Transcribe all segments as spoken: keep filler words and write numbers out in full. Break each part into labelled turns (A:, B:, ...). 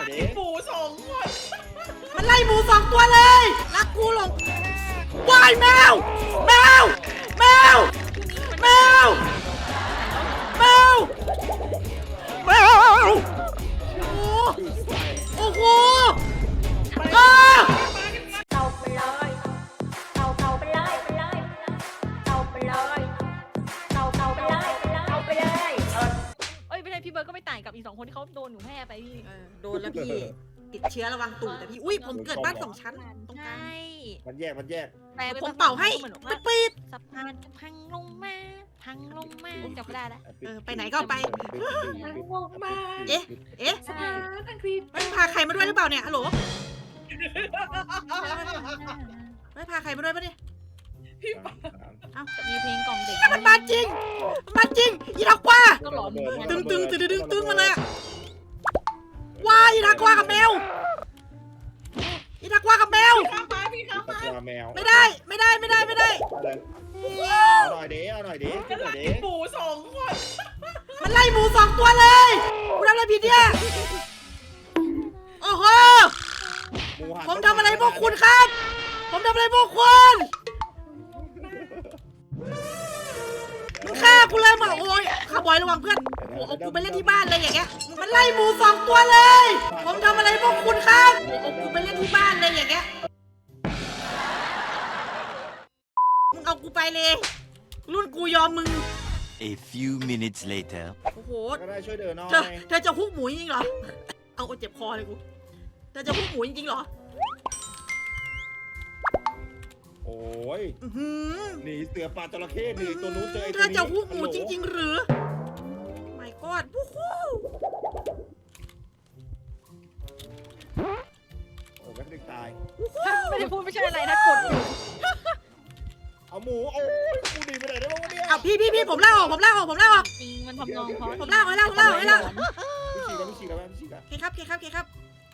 A: น่อยดิ
B: หมูสองคน
C: มันไล่หมูสองตัวเลยรักกูหลงวายแมวแมวแมวแมวแมวแมวโอ้โหอ้า
D: เตาไปเลยเตาเตาไปเลยไปเลยเตาไปเลยเตาเตาไปเลยเตาไปเลยเอ้ยไม่ใช่พี่เบิร์ดก็ไม่ต่างกับอีกสองคนที่เขาโดนหนูแม่ไปพี่
C: เออโดนแล้วพี่ติดเชื้อระวังตุ่มแต่พี่อุ้ยผมเกิดบ้านสองชั้นตรงกลาง
D: ใช่
A: มันแยกมันแยก
D: แต่
C: ผมเป่าให้
D: เหมือน
C: ปิ
D: ว่า
C: ดปิด
D: สะพานจะพังลงมาพังลงมาจำไม่ได้แล้ว
C: เออไปไหนก็ไป
B: วงมา
C: เอ๊ะเอ๊ะ
B: สถานอังกฤษ
C: ไม่พาใครมาด้วยหรือเปล่าเนี่ยฮัลโหลไม่พาใครมาด้วยปะเนี่ย
D: มีเพลงกล่อมเด็ก
C: มันมาจริงมันมาจริงอีนักว่า
D: ก็หลอนเหมือนกัน
C: ตึงตึงตึงตึงตึงมาเลยอะว้ายอีนักว่ากับแมวอีนักว่ากับแมว
B: ข้ามมาพี่ข้าม
A: ตะ
B: มาก
A: วาแมว
C: ไม่ได้ไม่ได้ไม่ได้ไม่ได้
A: เอาหน่อยดิเอาหน่อยดิเอาหน่อยดิ
B: หมูสองคน
C: มันไล่หมูสองตัวเลยกูทำอะไรผิดเนี่ยโอ้โห
A: หมูหัน
C: ผมทำอะไรพวกคุณครับ ผมทำอะไรพวกคุณมึงฆ่ากูเลยมาโอ้ยข้าบอยระวังเพื่อนโอ้เอากูไปเล่นที่บ้านเลยอย่างเงี้ยมันไล่หมูสองตัวเลย ผมทำอะไรพวกคุณครับโอ้เอากูไปเล่นที่บ้านเลยอย่างเงี้ยมึงเอากูไปเลยรุ่นกูยอมมึง
E: A few minutes later.
C: โอ้โห
A: ก็ได้ช่วยเดินหน่อย
C: เธอเธอจะฮุกหมูจริงเหรอเอาเจ็บคอเลยกูเธอจะฮุกหมูจริงเหรอ
A: โอ้ย
C: อื้อหือ
A: หนีเสือป่าจระเข้หนีตัวนู้นเจอไอ้
C: เธ
A: ตัว
C: อ
A: นี้
C: จะฮุกหมูจริง ๆ หรือไม่กอดวู้ฮู้
A: โอ้ยแป๊บนึงตาย
D: ไม่ได้พูดไม่ใช่อะไรนะกดอยู่
A: เอาหมูโอ้ยกูหนีไปไหนได้บ้างวะเนี่ย
C: เอาพี่พี่พี่ผมลาออกผมลาออกผมลาออก
D: จริงมันทำนองเพราะ
C: ผมลากไว้แล้วผมลากไว้แล้ว
A: พี่ฉีกแล้วพี่ฉีกแล้วพี่ฉีกแล้ว
C: โอเคครับโอเคครับโอเคครับ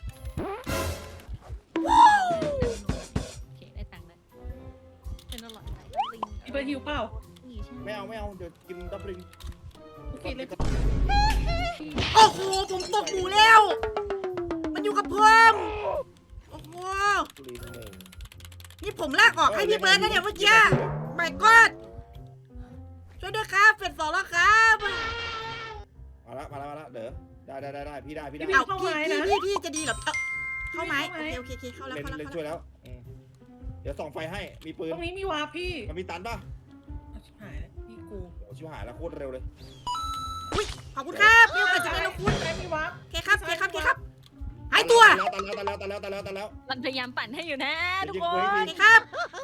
D: โอเคได้ตังค์แล้วเป็นอร่อยไหมลิง
B: พี่เบิร์ดหิวเปล่า
D: นี่ใช่ไหม
A: ไม่เอาไม่เอาเดี๋ยวกินดับลิง
B: โอเคเลย
C: โอ้โหผมตกหมูแล้ว มันอยู่กับเพิ่มโอ้โห
A: ลิงหนึ่ง
C: นี่ผมลากออกให้พี่เบิร์ดนะเนี่ยเมื่อกี้ไม่กอดช่วยด้วยครับเฟสสองแล้วครับ
A: มาละมาละมาละเด้อได้ได้ได้ได้พี่ได้พี่ได้
C: เอาพี่พี่พี่พี่จะดีเหรอเอาเข้าไหมโอเคโอเคโอเคเข้าแล้ว
A: เล่น
C: เข้าแล้ว
A: เล่น
C: เข้า
A: ช่วย
C: แล้ว
A: แล้วอืมเดี๋ยวส่องไฟให้มีปืน
B: ตรงนี้มีวาพี่
A: มันมีตันป่ะ
B: เอาชิบหายแล้วพี่กู
A: โอ้ชิบหายแล้วโคตรเร็วเลย
C: อุ้ยขอบคุณครับมีโอกาสจะได้รบคุณ
B: ใช่มีวา
C: โอเคครับโอเคครับโอเคครับหายตัว
A: ตันแล้วตันแล้วตันแล้วตันแล้วตันแล้ว
D: มันพยายามปั่นให้อยู่นะทุกค
C: โอน เคครับ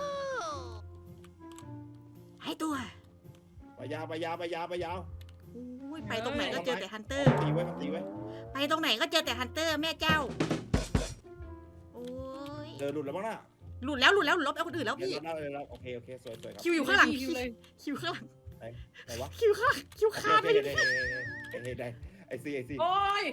C: หายตัว
A: ไปยาวไปยาวไปยาวไปยาว
C: อุ้ยไปตรงไหนก็เจอแต่ฮันเตอร์
A: ตีไว้ตีไว้
C: ไปตรงไหนก็เจอแต่ฮันเตอร์แม่เจ้า โอ้ย
A: เดินหลุดแล้วบ้างน่ะ
C: หลุดแล้วหลุดแล้วหลุดลบแล้วคนอื่นแล้ว
A: เดี๋ยว
C: พี่
A: เดินแล้วโอเคโอเคสวยสวยครับ
C: คิวอยู่ข้างหลัง
B: คิวเลย
C: คิวข้างหลัง
A: ไหนวะ
C: คิวข้างหลังคิวคาดไป
A: เด้
C: เลย
A: เด้เด้เด้เด้ไอซีไอซี
B: โอ้ย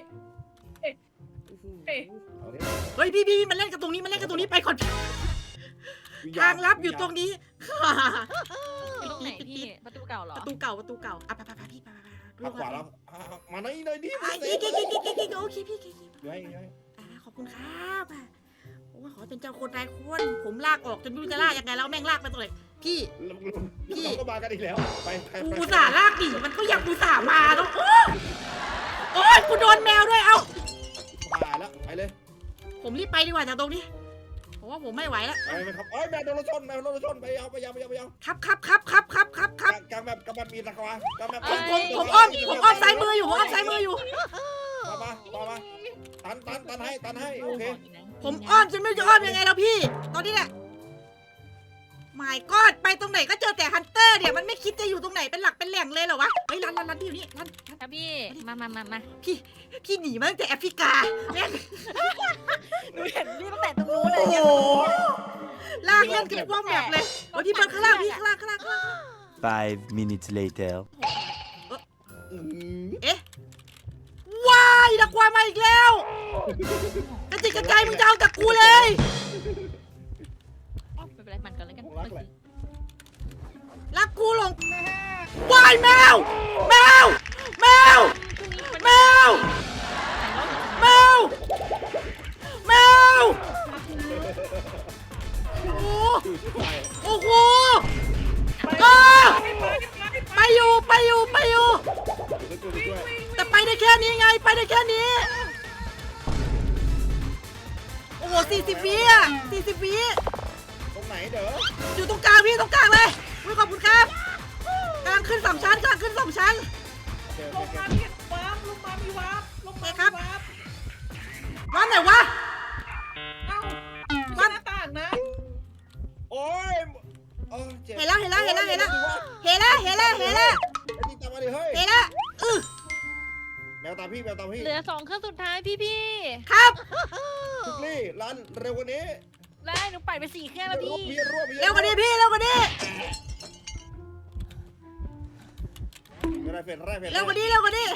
A: เอาดิ
C: เฮ้ยพี่พี่มันเล่นกันตรงนี้มันเล่นกันตรงนี้ไปก่อนทางลับอยู่ตรงนี้
D: ตรงไหนพี่ประตูเก่าเหรอ
C: ประตูเก่าประตูเก่าอ่ะไปไปไปพี่ไปไป
A: ทางขวาแล้วมาหน่อยหน่อยดิ
C: อ่ะอีกอีกอีกอีกอีกโอเคพี่โอเค
A: ย้อยย้อย
C: อ่าขอบคุณครับอ่ะโอ้ยขอเป็นเจ้าคนนายคนผมลากออกจนไม่รู้จะลากยังไงแล้วแม่งลากไปตรงไหนพี่
A: เราก็มากันอีกแล้วไปไป
C: กู
A: ไป
C: อุตส่าห์ลากหนีมันก็อยากอุตส่าห์มาแล้วโอ้ยโอ้ยกูโดนแมวด้วยเอ้า
A: ผ่านแล้วไปเลย
C: ผมรีบไปดีกว่าจากตรงนี้ผมว่าผมไม่ไหวแล้ว
A: ไปไปครับเอ้ยแมวโดนรถชนแมวโดนรถชนไปเอาไปยาวไปยาวไปยาว
C: ครับครับครับครับครับครับครับ
A: กลางแบบกลางแบบมีตะควากลางแบบ
C: ผมผมผมอ้อมผมอ้อมซ้ายมืออยู่ผมอ้อมซ้ายมืออยู่
A: มามามามาตันตันตันให้ตันให้โอเค
C: ผมอ้อมจนไม่รู้จะอ้อมยังไงแล้วพี่ ตอนนี้เนี่ยไม่กอดไปตรงไหนก็เจอแต่ฮันเตอร์เนี่ยมันไม่คิดจะอยู่ตรงไหนเป็นหลักเป็นแหล่งเลยเหรอวะเฮ้ยรันรันรันที่อยู่นี่รันรัน
D: ครับพี่มามามามา
C: พี่พี่หนีมาตั้งแต่แอฟริกาแม่ง
D: หนูเห็นพี่ตั้งแต่ตรงนู้นเลย
C: ลากเล่นกันว่องแบบเลยโอ้ยพี่เปิดข้างล่างพี่ข้างล่างข้างล่างข้างล่าง
E: Five minutes later.
C: เอ๊ะว้ายนักวายมาอีกแล้วกระจิกกระจายมึงจะเอาจากกูเลย
D: ไม่เป็นไรมันกันแล้วกัน
C: รักกูหลงวายแมวแมวแมวแมวแมวนี้ไงไปได้แค่นี้โอ้โหสี่สิบวิอ่ะสี่สิบวิ
A: ตรงไหนเด้อ
C: อยู่ตรงกลางพี่ตรงกลางเลยอุ๊ยขอบคุณครับกลางขึ้นสองชั้นกลางขึ้นสองชั้น
A: โอเค
B: ล
A: โอง เค
B: มามีวาร์ปลงมามีวาร์ปลงมามีวาร์ป
C: ร้านไหนวะ
B: เอ้าไม่ใช่หน้าต่างนะ
A: โอ้ยเออจ็บ
C: เห็นแล้วเห็นแล้วเห็นแล้วเห็นแล้วเห็นแล้วเห็นแล้วเห็นแล้ว
A: ไอ้นี่ตามมาดิเฮ้ย
C: เห็นแล้วอือ
A: แมวตามพี่แมวตามพี่
D: เหลือสองเครื่องสุดท้ายพี่พี่
C: ครับ
A: ทุกลี่รันเร็วกว่านี้
D: ได้หนูปั่นไปสี่เครื่องแล้วพี่
A: พี่รวบพี่
C: เร็วกว่านี้พี่เร็วกว่านี้
A: ไม่ได้เฟรนแรกเฟรน
C: เร็วกว่านี้เร็วกว่านี้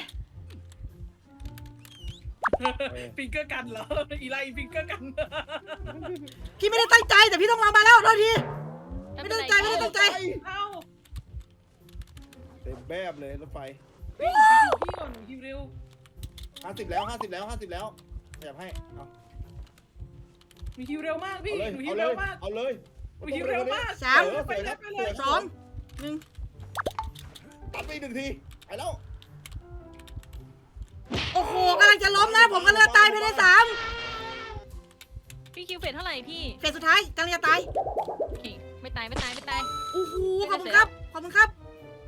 B: ฟิงเกอร์กันเหรออีไลฟิงเกอร์กัน
C: พี่ไม่ได้ตั้งใจแต่พี่ต้องมามาแล้วโทษที
D: ไม่
C: ไม่
D: เป็น
C: ได้
D: ไร
C: ตั้งใจไม่ได้ตั้งใจ
B: เอ้า
A: เต็มแบบเลยรถไฟ
B: พี่พี่ก่อนหนูฮิวเร็ว
A: ห้าสิบแล้วห้าสิบแล้วห้าสิบแล้วขยับให้เอา
B: หนูฮิวเร็วมากพี่
A: เอาเลย
B: หนูฮิ
A: เอา
B: ว
A: เล
B: เร็วย มาก
A: เอาเลย
B: หนูฮิวเร็วมาก
C: สาม
A: เออ
B: ไปเลยไปเลย
C: สองหนึ่ง
A: ตัดไปอีกหนึ่งทีไปแล้ว
C: โอ้โหกำลังจะล้มนะผมกำลังจะตายภายในสาม
D: พี่คิวเฟสเท่าไหร่พี่
C: เฟสสุดท้ายกำลังจะตาย
D: โอเคไม่ตายไม่ตายไม่ตาย
C: โอ้โหขอบคุณครับขอบคุณครับ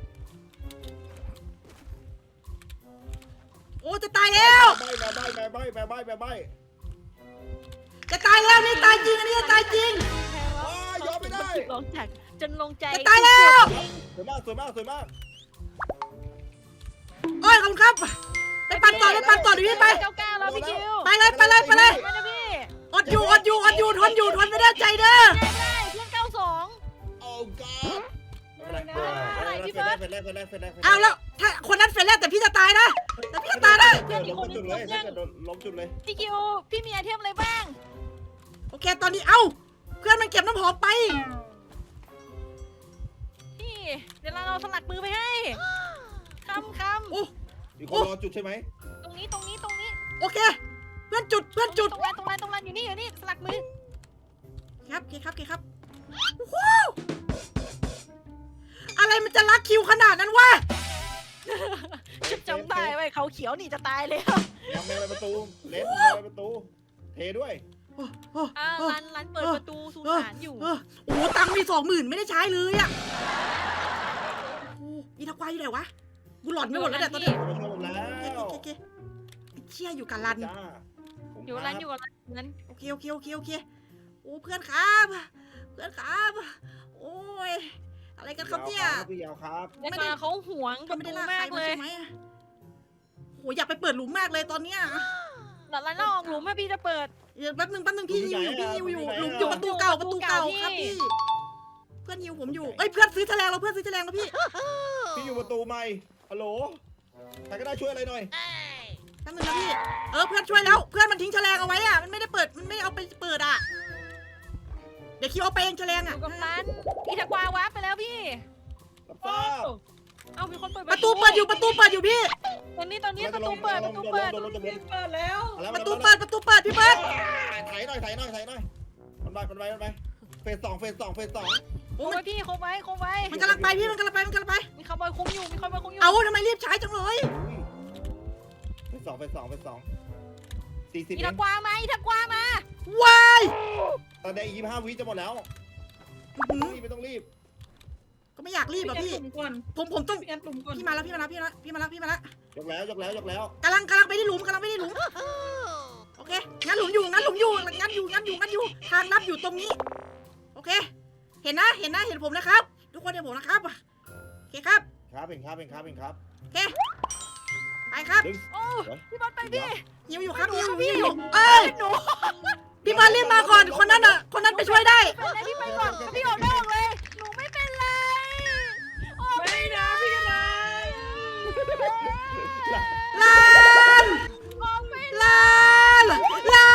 C: โอ้จะตายแล้ว
A: ใบใบใบใบใบใบใบใบใบ
C: จะตายแล้วนี่ตายจริงอันนี้จะตายจริง
A: อ้ายยอมไม่ได้
D: ลงจากจนลงใจ
C: จะตายแล้ว
A: สวยมากสวยมากสวยมาก
C: โอ้ยขอบคุณครับไปปั่นต่อไปปั่นต่อดิพี่ไป
D: เก้าเก้าแล้วพี่คิว
C: ไปเลยไปเลยไปเลย
D: ไปนะพี่
C: อดอยู่อดอยู่อดอยู่ทนอยู่ทนไม่ได้ใจเด้อ
D: ได้ได้เพื่อนเก้าสอง
A: โอ้ก้าไม่เป็นไรเฟรนแรกเฟรนแรกเฟรนแรกเฟรนแรก
C: เอาแล้วถ้าคนนั้นเฟรนแรกแต่พี่จะตายนะแต่พี่จะตายนะ
A: เกิดล้มจุดเลยถ้าเกิดล้มจุดเลย
D: พี่คิวพี่มีไอเทมอะไรบ้าง
C: โอเคตอนนี้เอ้าเพื่อนมันเก็บน้ำหอมไป
D: พี่เดี๋ยวเราเอาสลักมือไปให้คำค
C: โอ้
A: มีคนรอจุดใช่ไหม
D: ำตรงนี้ตรงนี้ตรงนี้
C: โอเค เพื่อนจุดเพื่อนจุด
D: ตรงนั้นตรงนั้นตรงนั้นอยู่นี่อยู่นี่สลักมือ
C: ครับโอเคครับโอเคครับโอ้โหอะไรมันจะรักคิวขนาดนั้นวะ
D: ชุดจำได้ไว้เขาเขียวนี่จะตายเลย
A: ยังแมวไปประตูเลนแมวไปประตูเทด้วย
C: โอ้โอ้
D: อ่า
C: โอ้
D: รันรันเปิดประตูสุสานอยู่
C: เออโอ้โหตังค์มีสองหมื่นไม่ได้ใช้เลยอ่ะโอ้อีทักวายอยู่ไหนวะกูหลอนไม่หมดแล้วเนี่ยตอนนี้
A: มาช่วยผมแล้ว
C: โอเคโอเคไอ้เชี่ยอยู่กับรัน
A: จ้า
D: อยู่รันอยู่กับรันนั้น
C: โอเคโอเคโอเคโอเคโอ้เพื่อนครับเพื่อนครับโอ้ยอะไรกันครับเนี่ย
A: พี่ยาวครับ
D: ได้มาเขาหวงป
C: ก็
D: ระ
C: ไม่
D: ตู
C: ได้ลากใค
D: มาร ก
C: มา
D: เลย
C: ใช่ไหมอะโหอยากไปเปิดหลุมมากเลยตอนเนี้ย
D: หลังรันเราออกหลุมให้พี่จะเปิด
C: เดี๋ยวแป๊บนึงแป๊บนึงพี่ฮิวอยู่พี่ฮิวอยู่หลุมอยู่ประตูเก่าประตูเก่าครับพี่เพื่อนฮิวผมอยู่เอ้ยเพื่อนซื้อแฉลงเราเพื่อนซื้อแฉลงแล้วพี่
A: พี่อยู่ประตูใหม่ฮัลโหลใครก็ได้ช่วยอะไรหน่อย
C: แป๊บนึงนะพี่เออเพื่อนช่วยแล้วเพื่อนมันทิ้งแฉลงเอาไว้อ่ะมันไม่ได้เปิดมันไม่ได้เอาไปเปิดอ่ะเดี๋ยวคิวเอาไปเองแฉลง
D: อ
C: อ่ะ
D: ยู่กับรันอีทักวาวาร์ปไปแล้วพี่
A: รับทราบ
D: เอามีคนเปิด
C: ประตูเปิดอยู่ประตูเปิดอยู่พี่
D: ตอนนี้ตอนนี้ประตูเปิดประตูเปิด
A: โดนรถจะ
B: พี่เปิดแล้ว
C: ประตูเปิดประตูเปิดพี่เปิด
A: ถ่ายหน่อยถ่ายหน่อยถ่ายหน่อยมันไปมันไปมันไปเฟสสองเฟสสองเฟสสอง
D: โอ้ยพี่คบไว้คบไว้
C: มันกำลังไปพี่มันกำลังไปมันกำลังไป
D: มีคาร์บอยคุ้มอยู่มีคาร์บอยคุ้มอยู่
C: เอาทำไมรีบใช้จังเลย
A: เฟสสองเฟสสองเฟสสองสี่สิบ
D: อี
A: เอ
D: ทั
A: ง
D: กวามาอีทักวามา
C: วาย
A: ตอนนี้ยี่สิบห้าวิจะหมดแล้ว
C: อื้อหือ
A: รีบไม่ต้องรีบ
C: ก็ไม่อยากรีบอ่ะพี่
B: พี่กลุ่มก่อน
C: ผมผมต้อง
B: พี่แอนกลุ่มก่อน
C: พี่มาแล้วพี่มาแล้วพี่มาแล้วพี่มาแล้วพี่มาแล้ว
A: ยกแล้วยกแล้วยกแล้ว
C: กำลังกำลังไปที่หลุมกำลังไปที่หลุมโอเคงั้นหลุมอยู่งั้นหลุมอยู่งั้นอยู่งั้นอยู่งั้นอยู่ทางลับอยู่ตรงนี้โอเค เห็นนะเห็นนะเห็นผมนะครับ ทุกคนเห็นผมนะครับโอเคครับ
A: ครับเป็นครับเป็นครับเป็นครับ
C: โอเคไปครับ
A: ดึง
D: โอ้พี่บอลไปพี่
C: หิวอยู่ครับหิวอยู่หิวอยู่เอ้ย
D: หนู
C: พี่มารีบมาก่อนคนนั้นอ่ะคนนั้นไปช่วยได้
D: เป็นไรพี่ไปก่อนพี่ออกได้ออกเลยหนูไม่เป็นไรออก
B: ไม่นะพี่กันนะ
C: ลาน
D: ออกไม่
C: ลานลาน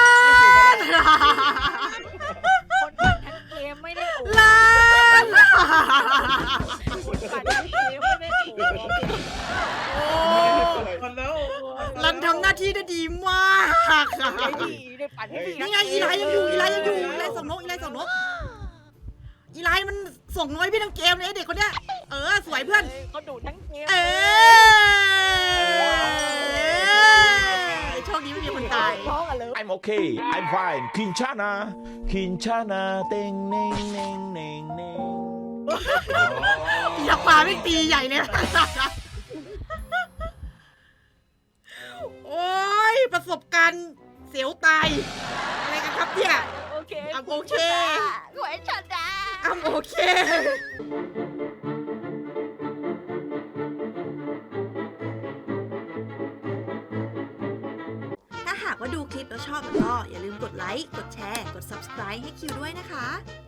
D: คนปั่นทั้งเกมไม่ได้โอ้
C: ลาน
D: คนปั่นทั้งเกมไม่ได้โอ้
C: โอ้
B: ก่อนแล้ว
C: ลันทำหน้าที่ได้ดีมาก
D: ไม่ดีได้ปั่นไม่ดี
C: นี่ไงอีไลยังอยู่อีไลยังอยู่อีไลส่งนกอีไลส่งนกอีไลมันส่งน้อยพี่ทั้งเกมเลยไอ้เด็กคนเนี้ยเออสวยเพื่อน
D: เขาดูทั้งเกม
C: เออ
F: I'm okay I'm fine คินชานาคินชานาเต็งเน่งเน่งเน่งเน่ง
C: อยากปาไม่ตีใหญ่เลย โอ้ยประสบการณ์เสียวตายอะไรกันครับเนี่ย
D: โอเค
C: อ่ะโอเค
D: หวยชนะ
C: อ้ำโอเค
G: ถ้าหากว่าดูคลิปแล้วชอบก็อย่าลืมกดไลค์ กดแชร์ กด ซับสไครบ์ ให้คิวด้วยนะคะ